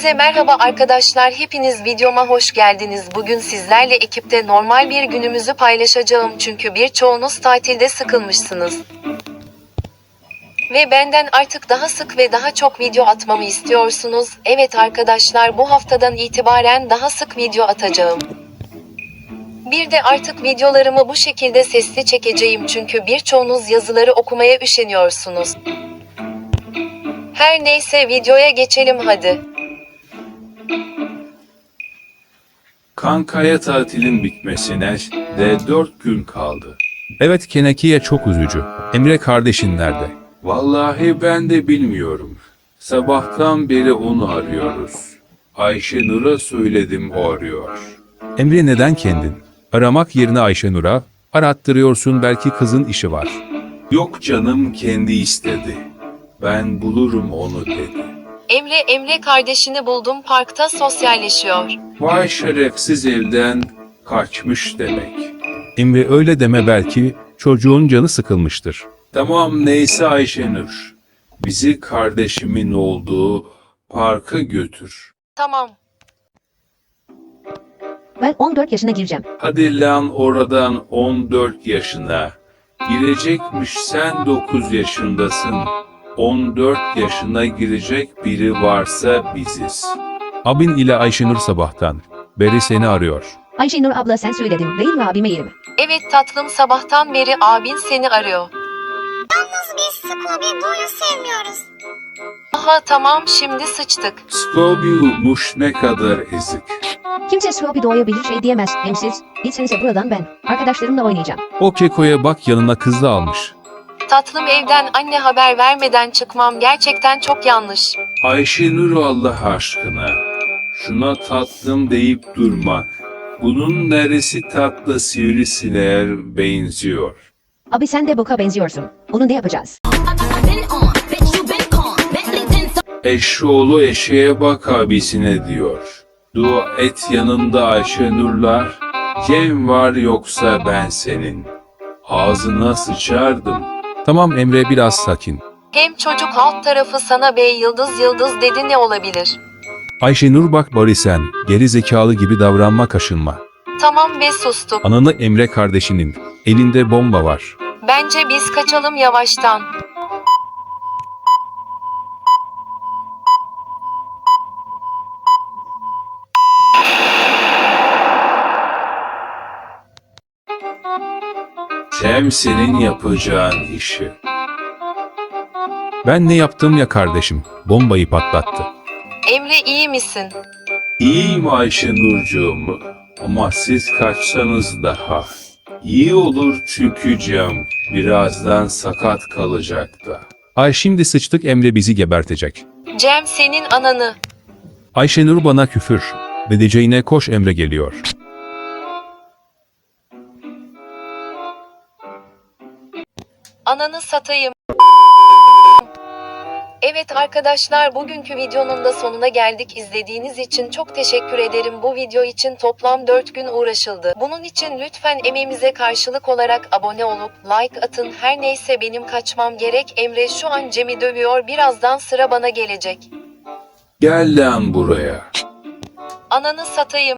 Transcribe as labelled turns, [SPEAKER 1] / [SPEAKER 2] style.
[SPEAKER 1] Hepinize merhaba arkadaşlar, hepiniz videoma hoş geldiniz. Bugün sizlerle ekipte normal bir günümüzü paylaşacağım çünkü birçoğunuz tatilde sıkılmışsınız. Ve benden artık daha sık ve daha çok video atmamı istiyorsunuz. Evet arkadaşlar, bu haftadan itibaren daha sık video atacağım. Bir de artık videolarımı bu şekilde sesli çekeceğim çünkü birçoğunuz yazıları okumaya üşeniyorsunuz. Her neyse, videoya geçelim hadi.
[SPEAKER 2] Kankaya tatilin bitmesine de 4 gün kaldı.
[SPEAKER 3] Evet, Keneki'ye çok üzücü. Emre kardeşin nerede?
[SPEAKER 2] Vallahi ben de bilmiyorum. Sabahtan beri onu arıyoruz. Ayşenur'a söyledim, o arıyor.
[SPEAKER 3] Emre neden kendin? Aramak yerine Ayşenur'a arattırıyorsun, belki kızın işi var.
[SPEAKER 2] Yok canım, kendi istedi. Ben bulurum onu dedi.
[SPEAKER 1] Emre kardeşini buldum, parkta sosyalleşiyor.
[SPEAKER 2] Vay şerefsiz, evden kaçmış demek.
[SPEAKER 3] Emre öyle deme, belki çocuğun canı sıkılmıştır.
[SPEAKER 2] Tamam neyse Ayşenur. Bizi kardeşimin olduğu parka götür.
[SPEAKER 1] Tamam.
[SPEAKER 4] Ben 14 yaşına gireceğim.
[SPEAKER 2] Hadi lan oradan, 14 yaşına. Girecekmiş, sen 9 yaşındasın. 14 yaşına girecek biri varsa biziz.
[SPEAKER 3] Abin ile Ayşenur sabahtan beri seni arıyor.
[SPEAKER 4] Ayşenur abla, sen söyledin değil mi abime yerimi?
[SPEAKER 1] Evet tatlım, sabahtan beri abin seni arıyor.
[SPEAKER 5] Biz Scooby-Doo'yu sevmiyoruz.
[SPEAKER 1] Aha tamam, şimdi sıçtık.
[SPEAKER 2] Scooby-Doo'muş, ne kadar ezik.
[SPEAKER 4] Kimse Scooby-Doo'ya bir şey diyemez. Hem siz, gitsenize buradan, ben arkadaşlarımla oynayacağım.
[SPEAKER 3] O Keko'ya bak, yanına kız da almış.
[SPEAKER 1] Tatlım, evden anne haber vermeden çıkmam gerçekten çok yanlış.
[SPEAKER 2] Ayşenur, Allah aşkına. Şuna tatlım deyip durma. Bunun neresi tatlı, sivrisineğe benziyor.
[SPEAKER 4] Abi sen de boka benziyorsun. Onu ne yapacağız?
[SPEAKER 2] Eşoğlu eşeğe bak abisine diyor. Dua et yanında Ayşenurlar. Cem var, yoksa ben senin ağzına sıçardım.
[SPEAKER 3] Tamam Emre, biraz sakin.
[SPEAKER 1] Hem çocuk alt tarafı sana bey yıldız dedi, ne olabilir?
[SPEAKER 3] Ayşenur bak bari, sen geri zekalı gibi davranma, kaşınma.
[SPEAKER 1] Tamam be, sustuk.
[SPEAKER 3] Ananı, Emre kardeşinin elinde bomba var.
[SPEAKER 1] Bence biz kaçalım yavaştan.
[SPEAKER 2] Cem senin yapacağın işi.
[SPEAKER 3] Ben ne yaptım ya kardeşim? Bombayı patlattı.
[SPEAKER 1] Emre, iyi misin?
[SPEAKER 2] İyiyim Ayşenurcuğum, ama siz kaçsanız daha iyi olur çünkü Cem birazdan sakat kalacak da.
[SPEAKER 3] Ay şimdi sıçtık, Emre bizi gebertecek.
[SPEAKER 1] Cem senin ananı.
[SPEAKER 3] Ayşenur bana küfür edeceğine koş, Emre geliyor.
[SPEAKER 1] Ananı satayım. Evet arkadaşlar, bugünkü videonun da sonuna geldik. İzlediğiniz için çok teşekkür ederim. Bu video için toplam 4 gün uğraşıldı. Bunun için lütfen emeğimize karşılık olarak abone olup like atın. Her neyse, benim kaçmam gerek. Emre şu an Cem'i dövüyor. Birazdan sıra bana gelecek.
[SPEAKER 2] Gel lan buraya.
[SPEAKER 1] Ananı satayım.